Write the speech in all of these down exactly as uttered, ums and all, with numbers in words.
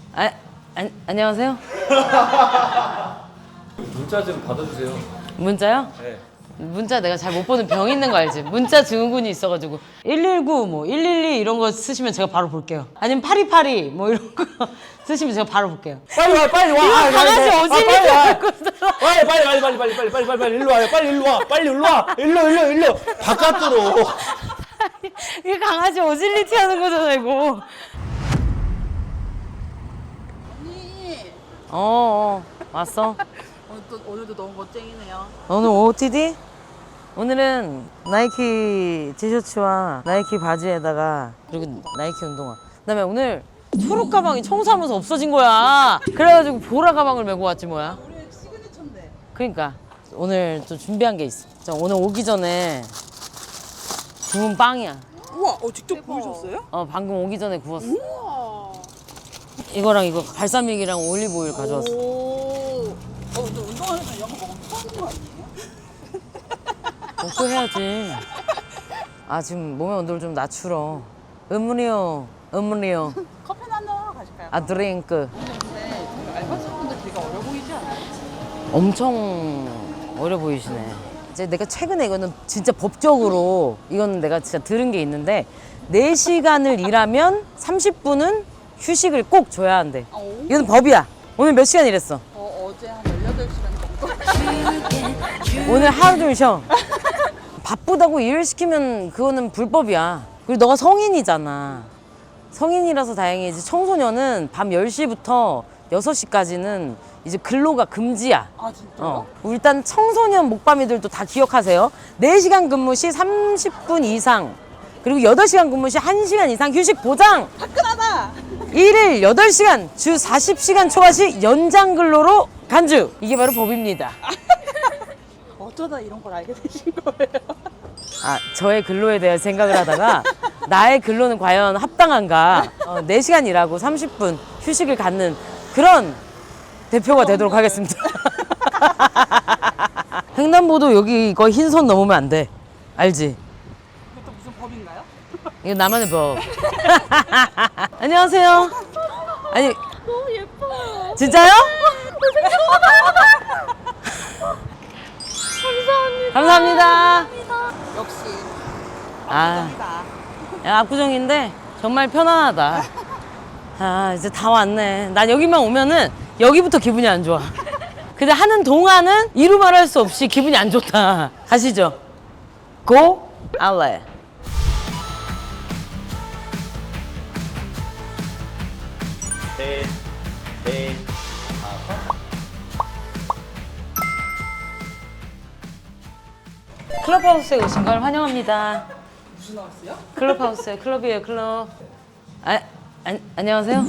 아, 아 안녕하세요. 문자 좀 받아주세요. 문자요? 네. 문자 내가 잘 못 보는 병 있는 거 알지? 문자 증후군이 있어가지고 일일구 뭐 일일이 이런 거 쓰시면 제가 바로 볼게요. 아니면 파리파리 뭐 이런 거 쓰시면 제가 바로 볼게요. 빨리 와, 빨리 와. 이거 아, 강아지 아, 어질리 빨리 와. 하고 있어. 빨리 빨리 빨리 빨리 빨리 빨리 빨리 빨리 빨리 일로 와요. 빨리 일로 와. 빨리 일로 와. 일로 일로 일로. 바깥으로. 이게 강아지 어질리티 하는 거잖아 이거. 언니 어, 어 왔어. 오늘 또, 오늘도 너무 멋쟁이네요. 오늘 오오티디? 오늘은 나이키 티셔츠와 나이키 바지에다가 그리고 나이키 운동화. 그다음에 오늘 초록 가방이 청소하면서 없어진 거야. 그래가지고 보라 가방을 메고 왔지 뭐야. 우리 시그니처인데. 그러니까 오늘 또 준비한 게 있어. 자, 오늘 오기 전에 구운 빵이야. 우와, 어, 직접 구우셨어요? 어 방금 오기 전에 구웠어. 우와. 이거랑 이거 발사믹이랑 올리브 오일 가져왔어. 오. 어, 근데 운동하면서 이런 거 먹으면 토하는 거 아니에요? 먹고 해야지. 아 지금 몸의 온도를 좀 낮추러. 음료요, 음료요. 커피나 한잔 하러 가실까요? 아 드링크. 근데 되게 알바생분들 되게 어려 보이지 않아요? 엄청 어려 보이시네. 이제 내가 최근에 이거는 진짜 법적으로 이거는 내가 진짜 들은 게 있는데 네 시간을 일하면 삼십 분은 휴식을 꼭 줘야 한대. 오. 이거는 법이야. 오늘 몇 시간 일했어? 어, 어제 한 열여덟 시간 정도? 오늘 하루 종일 쉬어. 바쁘다고 일을 시키면 그거는 불법이야. 그리고 너가 성인이잖아. 성인이라서 다행이지. 청소년은 밤 열 시부터 여섯 시까지는 이제 근로가 금지야. 아, 진짜요? 어. 일단 청소년 목밤이들도 다 기억하세요. 네 시간 근무 시 삼십 분 이상, 그리고 여덟 시간 근무 시 한 시간 이상 휴식 보장. 화끈하다! 일일 여덟 시간, 주 사십 시간 초과 시 연장 근로로 간주. 이게 바로 법입니다. 어쩌다 이런 걸 알게 되신 거예요? 아, 저의 근로에 대한 생각을 하다가 나의 근로는 과연 합당한가? 어, 네 시간 일하고 삼십 분 휴식을 갖는 그런 대표가 되도록 하겠습니다. 횡단보도 여기 이거 흰선 넘으면 안 돼. 알지? 그것도 무슨 법인가요? 이거 나만의 법. 안녕하세요. 아니, 너무 예뻐요. 진짜요? 감사합니다. 감사합니다. 역시 아, 감사합니다. 야, 압구정인데 정말 편안하다. 아, 이제 다 왔네. 난 여기만 오면은 여기부터 기분이 안 좋아. 근데 하는 동안은 이루 말할 수 없이 기분이 안 좋다. 가시죠. 고 알레. 네. 네. 클럽하우스에 오신 걸 환영합니다. 무슨 나왔어요? 클럽하우스에 클럽이에요, 클럽. 아, 안, 안녕하세요.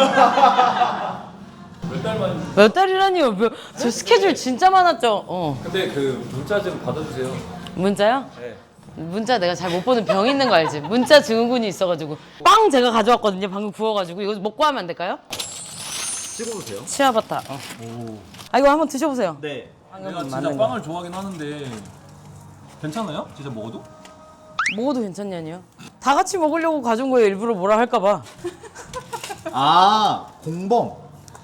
몇 달 만에. 몇 달이라니요? 몇, 저 스케줄 진짜 많았죠. 어. 근데 그 문자 좀 받아주세요. 문자요? 네. 문자 내가 잘 못 보는 병 있는 거 알지? 문자 증후군이 있어가지고 빵 제가 가져왔거든요. 방금 구워가지고 이거 먹고 하면 안 될까요? 찍어보세요. 치아바타. 어. 오. 아 이거 한번 드셔보세요. 네. 방금 내가 진짜 맞는 거. 빵을 좋아하긴 하는데 괜찮아요? 진짜 먹어도? 먹어도 괜찮냐니요? 다 같이 먹으려고 가져온 거예요. 일부러 뭐라 할까봐. 아 공범.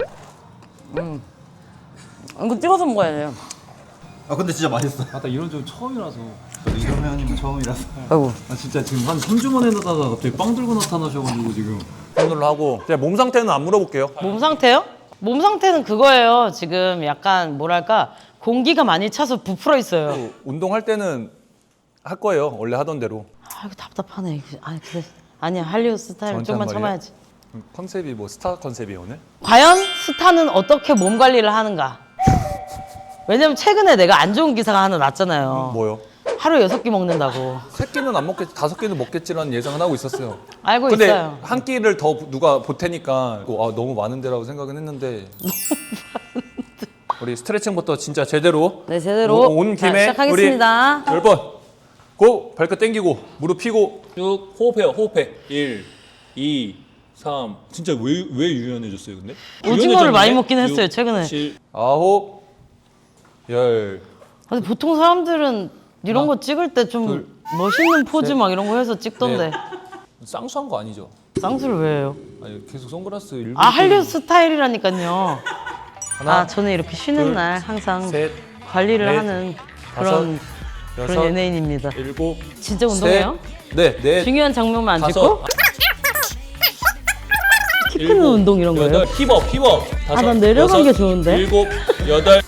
이거 찍어서 먹어야 돼요. 아 근데 진짜 맛있어. 아, 나 이런 적 처음이라서. 저도 이런 회원님은 처음이라서. 아이고. 아, 진짜 지금 한 삼 주 만에 나다가 갑자기 빵 들고 나타나셔가지고 지금. 오늘로 하고 제가 몸 상태는 안 물어볼게요. 몸 상태요? 몸 상태는 그거예요. 지금 약간 뭐랄까 공기가 많이 차서 부풀어 있어요. 운동할 때는 할 거예요. 원래 하던 대로. 아 이거 답답하네. 아 그래. 아니야 할리우드 스타일 저한테 좀만 한 참아야지. 음, 컨셉이 뭐 스타 컨셉이에요 오늘? 과연 스타는 어떻게 몸 관리를 하는가? 왜냐면 최근에 내가 안 좋은 기사가 하나 났잖아요. 뭐요? 하루에 여섯 끼 먹는다고. 세 끼는 안 먹겠지, 다섯 끼는 먹겠지라는 예상은 하고 있었어요. 알고 근데 있어요. 한 끼를 더 누가 보태니까 아, 너무 많은데라고 생각은 했는데. 우리 스트레칭부터 진짜 제대로. 네 제대로 오- 온 자, 김에 시작하겠습니다. 우리 열 번. 고 발끝 당기고 무릎 펴고 쭉 호흡해요. 호흡해. 일, 이, 삼. 진짜 왜 왜 유연해졌어요, 근데? 오징어를 많이 먹긴 했어요, 최근에. 칠, 아홉, 열. 근데 보통 사람들은 이런 거 찍을 때 좀 둘, 멋있는 포즈 셋, 막 이런 거 해서 찍던데 네. 쌍수한 거 아니죠? 쌍수를 왜 해요? 아니 계속 선글라스 일부러 아 한류 끼고. 스타일이라니까요. 하나, 아 저는 이렇게 쉬는 둘, 날 항상 셋, 관리를 넷, 하는 다섯, 그런 그런 여섯, 연예인입니다. 일곱, 진짜 운동해요? 셋, 넷, 넷, 중요한 장면만 안 다섯, 찍고? 키 크는 일곱, 운동 이런 거예요? 여덟, 힙업, 힙업. 다섯, 난 내려간 여섯, 게 좋은데? 일곱, 여덟.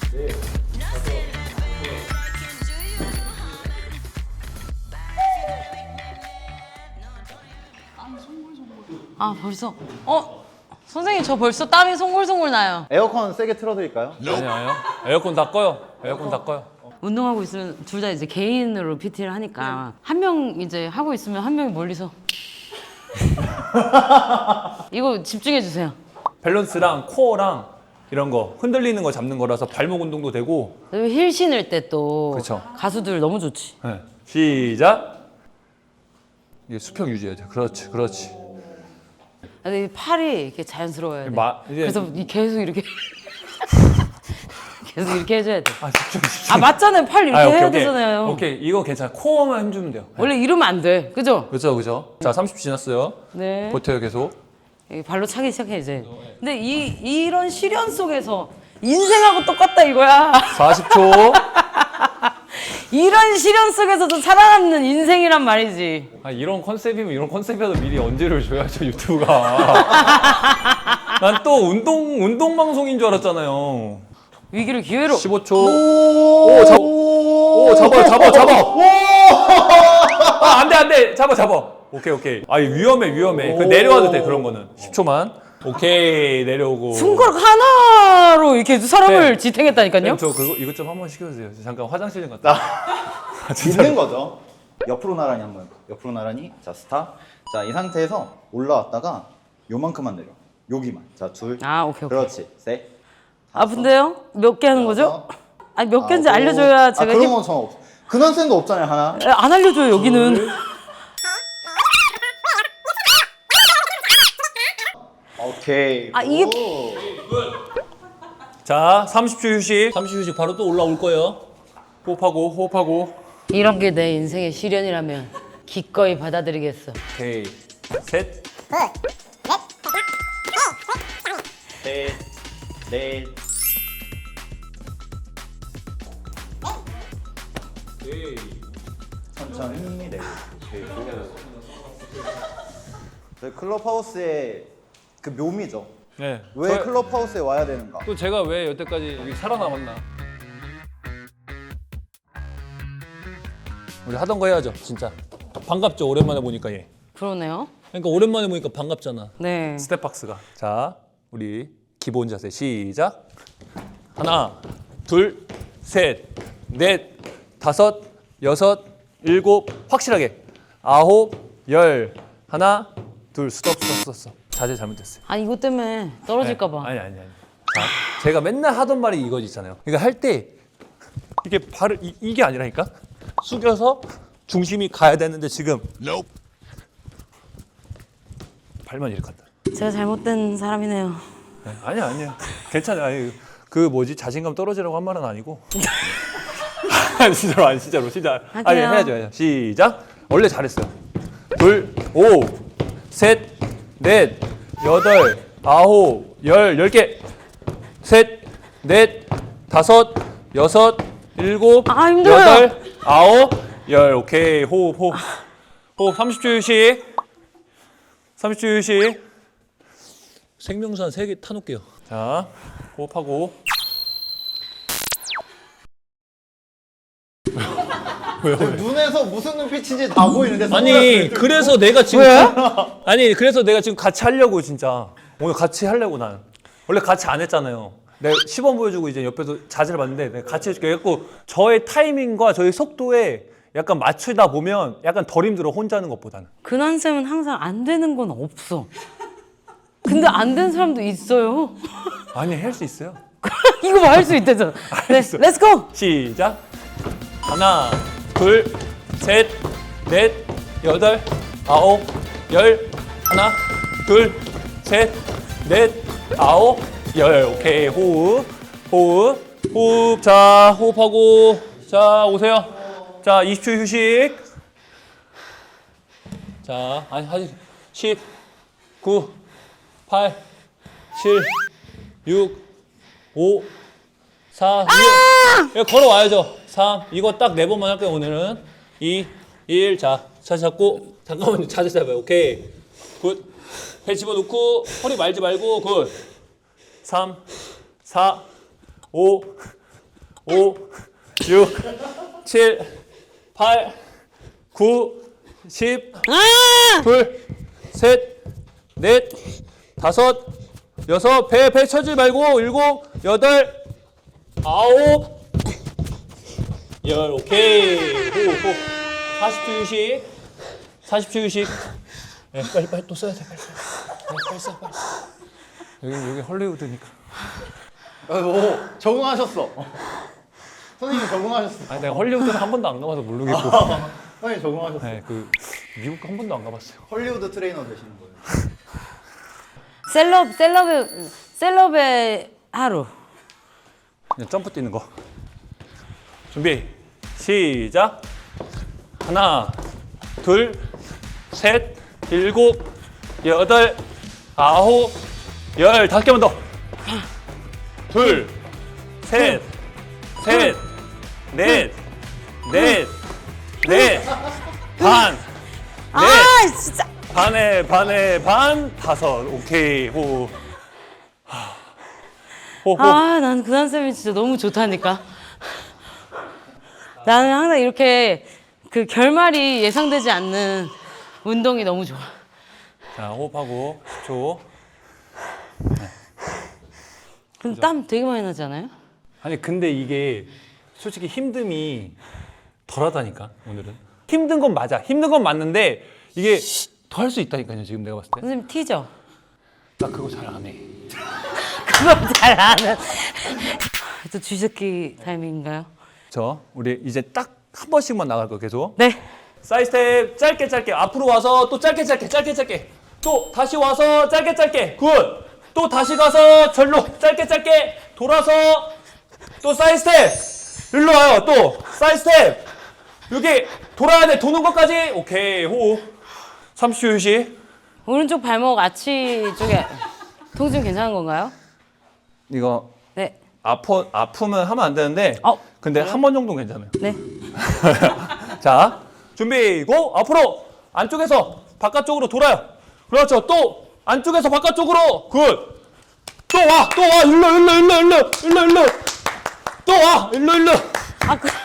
아 벌써 어? 선생님 저 벌써 땀이 송골송골 나요. 에어컨 세게 틀어드릴까요? 아니요, 아니요. 에어컨 다 꺼요. 에어컨 다 꺼요. 운동하고 있으면 둘 다 이제 개인으로 피티를 하니까 한 명 이제 하고 있으면 한 명이 멀리서 이거 집중해 주세요. 밸런스랑 코어랑 이런 거 흔들리는 거 잡는 거라서 발목 운동도 되고. 힐 신을 때 또 그쵸. 가수들 너무 좋지. 네. 시작. 이게 수평 유지해야 돼. 그렇지, 그렇지. 근데 이 팔이 이렇게 자연스러워야 돼. 마- 이제- 그래서 이 계속 이렇게 계속 이렇게 해줘야 돼. 아 집중, 집중. 아 맞잖아요. 팔 이렇게 아, 오케이, 해야 오케이. 되잖아요. 오케이, 이거 괜찮아. 코어만 힘주면 돼요. 원래 이러면 안 돼. 그죠? 그렇죠, 그렇죠. 자, 삼십 초 지났어요. 네. 버텨요, 계속. 여기 발로 차기 시작해 이제. 근데 이 이런 시련 속에서 인생하고 똑같다 이거야. 사십 초. 이런 시련 속에서도 살아남는 인생이란 말이지. 아, 이런 컨셉이면 이런 컨셉이라도 미리 언제를 줘야죠, 유튜브가. 난 또 운동 운동 방송인 줄 알았잖아요. 위기를 기회로. 십오 초. 오, 잡. 오, 잡아, 잡아, 잡아. 아, 안 돼, 안 돼. 잡아, 잡아. 오케이, 오케이. 아, 위험해, 위험해. 그 내려와도 돼, 그런 거는. 십 초만. 오케이, 내려오고. 손가락 하나로 이렇게 사람을 네. 지탱했다니까요. 쌤, 저 그거 이것 좀 한번 시켜주세요. 잠깐 화장실 좀 갔다. 아, 있는 거죠. 옆으로 나란히 한번. 옆으로 나란히. 자 스탑. 자 이 상태에서 올라왔다가 요만큼만 내려. 여기만. 자 둘. 아 오케이 오케이. 그렇지. 셋. 아픈데요? 몇 개 하는 거죠? 여섯, 아니 몇 개인지 아홉. 알려줘야 제가 아, 그런 힘... 건 상관없어. 근원 쌤도 없잖아요 하나. 에, 안 알려줘요 여기는. 오케이. 아, 이게- 오. 자, 삼십 초 휴식. 삼십 초 휴식 바로 또 올라올 거예요. 호흡하고, 호흡하고. 이런 게 내 인생의 시련이라면 기꺼이 받아들이겠어. 오케이. 셋. 셋. 넷. 오케이. 천천히 내리고. 저희 클럽하우스의 그 묘미죠. 네. 왜 저- 클럽하우스에 와야 되는가? 또 제가 왜 여태까지 여기 살아남았나? 우리 하던 거 해야죠, 진짜. 반갑죠, 오랜만에 보니까 얘. 그러네요. 그러니까 오랜만에 보니까 반갑잖아. 네. 스텝박스가. 자, 우리 기본 자세 시작. 하나, 둘, 셋, 넷, 다섯, 여섯, 일곱, 확실하게. 아홉, 열. 하나, 둘, 스톱, 스톱, 스톱, 스톱. 자세 잘못됐어요. 아 이것 때문에 떨어질까 봐. 아니 아니 아니. 자, 제가 맨날 하던 말이 이거지 있잖아요. 그러니까 할 때 이게 발을 이, 이게 아니라니까 숙여서 중심이 가야 되는데 지금 발만 이렇게 한다. 제가 잘못된 사람이네요. 네, 아니야 아니야. 괜찮아. 아니, 그 뭐지 자신감 떨어지라고 한 말은 아니고. 아니, 진짜로 아니 진짜로 진짜. 아니 할게요. 해야죠 해야죠. 시작. 원래 잘했어요. 둘, 오, 셋, 넷, 여덟, 아홉, 열, 열 개. 셋, 넷, 다섯, 여섯, 일곱, 아, 힘들어요. 여덟, 아홉, 열. 오케이. 호흡, 호흡. 호흡 삼십 초 휴식. 삼십 초 휴식. 생명수 한 세 개 타놓을게요. 자, 호흡하고. 눈에서 무슨 눈빛인지 다 보이는데. 아니, 선글라스를 그래서 내가 지금 아니, 그래서 내가 지금 같이 하려고 진짜. 오늘 같이 하려고 난. 원래 같이 안 했잖아요. 내가 시범 보여주고 이제 옆에서 자세를 봤는데 내가 같이 해줄게. 그래갖고 저의 타이밍과 저의 속도에 약간 맞추다 보면 약간 덜 힘들어, 혼자 하는 것보다는. 근한 쌤은 항상 안 되는 건 없어. 근데 안 된 사람도 있어요. 아니, 할 수 있어요. 이거 뭐 할 수 있대잖아. 네, 알겠어. 렛츠고. 시작. 하나, 둘, 셋, 넷, 여덟, 아홉, 열. 하나, 둘, 셋, 넷, 아홉, 열. 오케이. 호흡, 호흡, 호흡. 자, 호흡하고. 자, 오세요. 자, 이십 초 휴식. 자, 아니, 아직 십, 구, 팔, 칠, 육, 오, 사, 육. 이거 걸어와야죠. 삼. 이거 딱 네 번만 할게요, 오늘은. 이, 일. 자, 자세 잡고. 잠깐만요. 자세 잡아요. 오케이. 굿. 배 집어넣고, 허리 말지 말고, 굿. 삼, 사, 오, 오, 육, 칠, 팔, 구, 십, 둘, 셋, 넷, 다섯, 여섯, 배, 배 쳐지 말고, 일곱, 여덟, 아홉, 열, 오케이. 호, 호. 사십 초 휴식. 사십 초 휴식. 네, 빨리, 빨리 또 써야 돼, 빨리. 빨리, 빨리 써, 빨리. 여기, 여기 헐리우드니까. 오, 적응하셨어. 선생님 적응하셨어. 아니, 내가 헐리우드는 한 번도 안 가봐서 모르겠고. 선생님 적응하셨어. 네, 그, 미국 한 번도 안 가봤어요. 헐리우드 트레이너 되시는 거예요. 셀럽 셀럽의 셀럽의 하루. 그냥 점프 뛰는 거. 준비, 시작. 하나, 둘, 셋, 일곱, 여덟, 아홉, 열. 다섯 개만 더. 둘, 셋, 셋, 넷, 넷, 넷, 반, 아 넷, 진짜. 반에 반에 반, 다섯. 오케이. 호. 하. 호, 호. 아, 난 그단 쌤이 진짜 너무 좋다니까. 나는 항상 이렇게 그 결말이 예상되지 않는 운동이 너무 좋아. 자, 호흡하고 십 초. 근데 땀 되게 많이 나지 않아요? 아니 근데 이게 솔직히 힘듦이 덜하다니까 오늘은. 힘든 건 맞아. 힘든 건 맞는데 이게 더 할 수 있다니까요. 지금 내가 봤을 때. 선생님 티죠? 나 그거 잘 안 해. 그거 잘 아는. 또 쥐새끼 타임인가요? 저 우리 이제 딱 한 번씩만 나갈 거 계속. 네. 사이드 스텝 짧게 짧게 앞으로 와서 또 짧게 짧게 짧게 짧게 또 다시 와서 짧게 짧게 굿. 또 다시 가서 절로 짧게 짧게 돌아서 또 사이드 스텝 일로 와요. 또 사이드 스텝 여기 돌아야 돼. 도는 것까지. 오케이. 호흡. 삼십 초 휴식. 오른쪽 발목 아치 쪽에 통증 괜찮은 건가요? 이거 네. 아프 아프면 하면 안 되는데. 어, 근데 한 번 정도는 괜찮아요. 네. 자, 준비 고. 앞으로 안쪽에서 바깥쪽으로 돌아요. 그렇죠. 또 안쪽에서 바깥쪽으로. 굿. 또 와. 또 와. 일로 일로 일로 일로 일로 일로. 또 와. 일로 일로. 아, 그,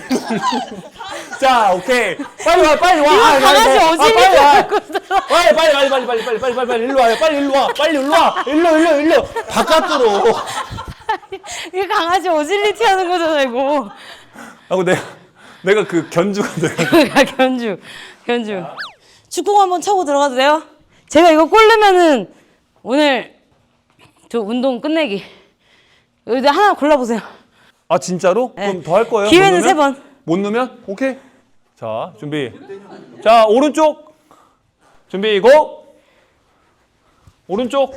자, 오케이. 빨리 와. 빨리 와. 이거 아, 강아지 아, 어질리 빨리 와. 하고 있어. 빨리 빨리 빨리 빨리 빨리 빨리 빨리 빨리 빨리 일로 와요. 빨리 일로 와. 빨리 일로 와. 일로 일로 일로. 바깥으로. 이게 강아지 어질리티 하는 거잖아, 이거. 하고 내가 내가 그 견주가 내가 그러니까 견주, 견주. 축구 한번 차고 들어가도 돼요? 제가 이거 골 넣으면은 오늘 저 운동 끝내기. 여기 하나 골라보세요. 아 진짜로? 네. 그럼 더 할 거예요? 기회는 못 세 넣으면? 번. 못 넣으면? 오케이. 자 준비. 자 오른쪽. 준비 고. 오른쪽.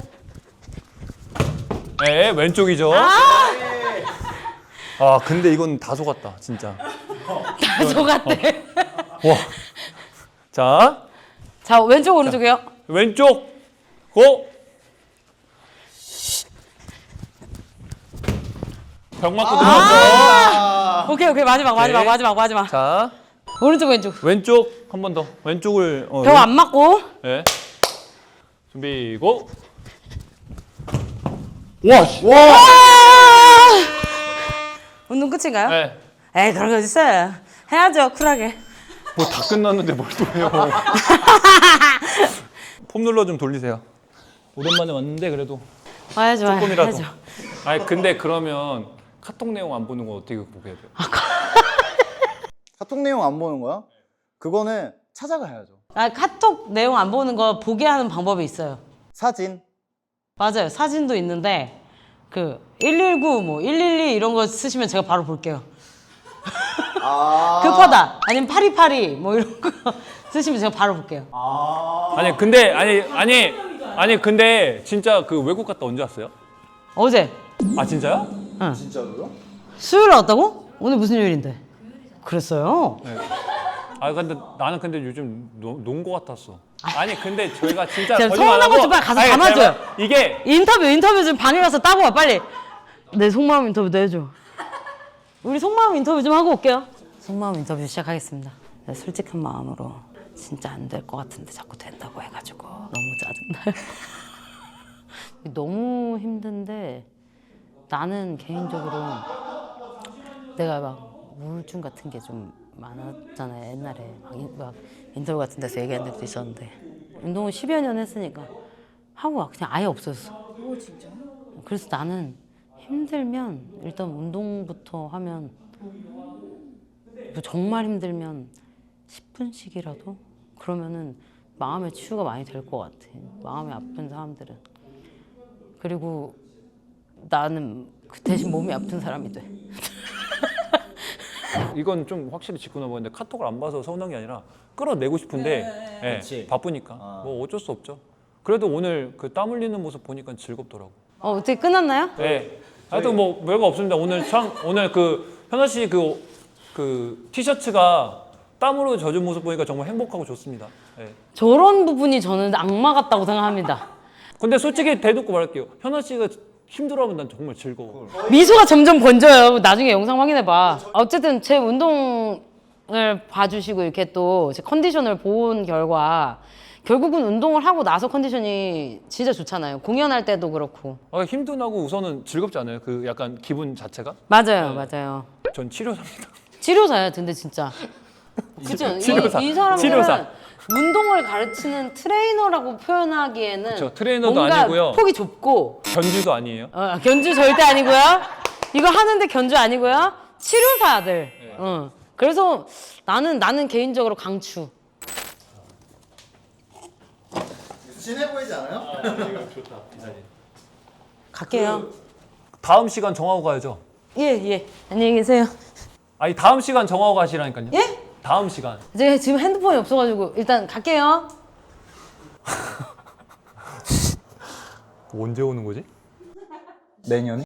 네 왼쪽이죠. 아 근데 이건 다 속았다 진짜. 다 속았대. 와. 자 자, 왼쪽, 오른쪽이요. 왼쪽 고. 벽 맞고 들어갔어. 오케이, 오케이. 마지막, 마지막, 오케이. 마지막, 마지막. 자 오른쪽, 왼쪽. 왼쪽 한 번 더. 왼쪽을. 어, 벽 안 맞고. 네. 준비 고. 와. 씨. 아! 운동 끝인가요? 네. 에이, 그런 거 어딨어요. 해야죠, 쿨하게. 뭐 다 끝났는데 뭘 또 해요? 폼 눌러 좀 돌리세요. 오랜만에 왔는데 그래도 와야죠, 조금이라도. 해야죠. 아니 근데 그러면 카톡 내용 안 보는 거 어떻게 보게 돼요? 카톡 내용 안 보는 거야? 그거는 찾아가야죠. 아, 카톡 내용 안 보는 거 보게 하는 방법이 있어요. 사진. 맞아요. 사진도 있는데 그 일일구 뭐 일일이 이런 거 쓰시면 제가 바로 볼게요. 아. 급하다. 아니면 파리파리 뭐 이런 거 쓰시면 제가 바로 볼게요. 아니 근데 아니 아니 아니 근데 진짜 그 외국 갔다 언제 왔어요? 어제 아 진짜요? 진짜로요? 수요일 왔다고? 오늘 무슨 요일인데? 그랬어요? 네. 아 근데 나는 근데 요즘 노, 논거 같았어. 아니 근데 저희가 진짜 제가 거짓말 안 서운한 거 하고 좀 빨리 가서 아니, 담아줘요. 제가 이게 인터뷰 인터뷰 좀 방에 가서 따고 와 빨리. 내 속마음 인터뷰도 해줘. 우리 속마음 인터뷰 좀 하고 올게요. 속마음 인터뷰 시작하겠습니다. 네, 솔직한 마음으로 진짜 안 될 것 같은데 자꾸 된다고 해가지고 너무 짜증나요. 너무 힘든데 나는 개인적으로 내가 막 우울증 같은 게 좀 많았잖아요. 옛날에 막, 인, 막 인터뷰 같은 데서 얘기한 적도 있었는데 운동을 십여 년 했으니까 하고 그냥 아예 없었어. 오 진짜? 그래서 나는 힘들면 일단 운동부터 하면 뭐 정말 힘들면 십 분씩이라도 그러면은 마음의 치유가 많이 될 것 같아. 마음이 아픈 사람들은. 그리고 나는 그 대신 몸이 아픈 사람이 돼. 이건 좀 확실히 짚고 넘어갔는데 카톡을 안 봐서 서운한 게 아니라 끌어내고 싶은데 예, 그치. 바쁘니까 아. 뭐 어쩔 수 없죠. 그래도 오늘 그 땀 흘리는 모습 보니까 즐겁더라고. 어 어떻게 끝났나요? 네. 하여튼 뭐 별거 없습니다. 오늘 참 오늘 그 현아 씨 그 그 티셔츠가 땀으로 젖은 모습 보니까 정말 행복하고 좋습니다. 네. 저런 부분이 저는 악마 같다고 생각합니다. 근데 솔직히 대놓고 말할게요. 현아 씨가 힘들어하면 난 정말 즐거워. 미소가 점점 번져요. 나중에 영상 확인해봐. 어쨌든 제 운동을 봐주시고 이렇게 또 제 컨디션을 본 결과 결국은 운동을 하고 나서 컨디션이 진짜 좋잖아요. 공연할 때도 그렇고. 아, 힘도 나고 우선은 즐겁지 않아요? 그 약간 기분 자체가? 맞아요, 맞아요. 전 치료사입니다. 치료사야, 근데 진짜. 그죠? 치료사. 이, 이 사람들은 치료사. 운동을 가르치는 트레이너라고 표현하기에는 그쵸, 트레이너도 뭔가 아니고요. 폭이 좁고 견주도 아니에요. 어, 견주 절대 아니고요. 이거 하는데 견주 아니고요. 치료사들. 어. 그래서 나는 나는 개인적으로 강추. 진해 보이지 않아요? 갈게요. 다음 시간 정하고 가야죠. 예, 예. 안녕히 계세요. 아니 다음 시간 정하고 가시라니까요. 예? 다음 시간. 제가 지금 핸드폰이 없어가지고 일단 갈게요. 언제 오는 거지? 내년에?